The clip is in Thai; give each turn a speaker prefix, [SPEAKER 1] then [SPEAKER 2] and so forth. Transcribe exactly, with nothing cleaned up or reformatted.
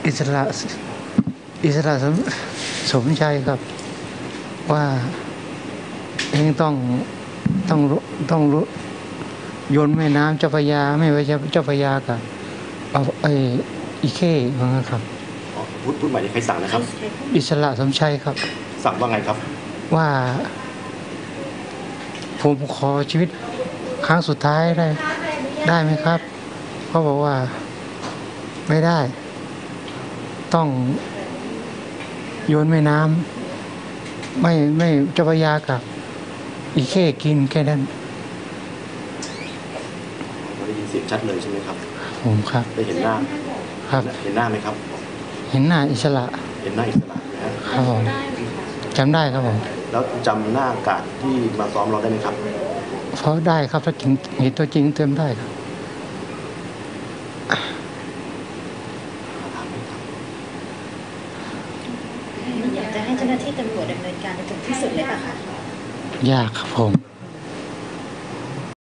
[SPEAKER 1] อิสระอิสระสมสมชัยครับว่าเองต้องต้องต้องรู้โยนแม่น้ำเจ้าพระยาไม่ว่าจะเจ้าพระยากับเอาไอ้อีเข้ว่างั้นครับ
[SPEAKER 2] อ๋อพูดพูดใหม่ที่ใครสั่งนะครับ
[SPEAKER 1] อิสระสมชัยครับ
[SPEAKER 2] สั่งว่าไงครับ
[SPEAKER 1] ว่าผมขอชีวิตครั้งสุดท้ายได้ได้ไหมครับเขาบอกว่าไม่ได้ ต้องโยนแม่น้ำไม่ไม่เจ้าพระยากับอีเข้กินแค่นั้น
[SPEAKER 2] เราได้ยินเสียงชัดเลยใช่ไหมครับ
[SPEAKER 1] ผมครับ
[SPEAKER 2] ได้เห็นหน้า
[SPEAKER 1] ครับ
[SPEAKER 2] เห็นหน้าไหมครับ
[SPEAKER 1] เห็นหน้าอิสระ
[SPEAKER 2] เห็นหน้าอิสระนะฮะ
[SPEAKER 1] ครับผมจำได้ครับผม
[SPEAKER 2] แล้วจำหน้ากาดที่มาซ้อมเราได้ไหมครับ
[SPEAKER 1] เพราะได้ครับถ้าจริงเห็นตัวจริงเติมได้ครับ
[SPEAKER 3] อยากจะให้เจ้าหน้าที่ตำรวจดำเนินการในถึงที่สุดเลยป่ะคะ
[SPEAKER 1] ยากครับผม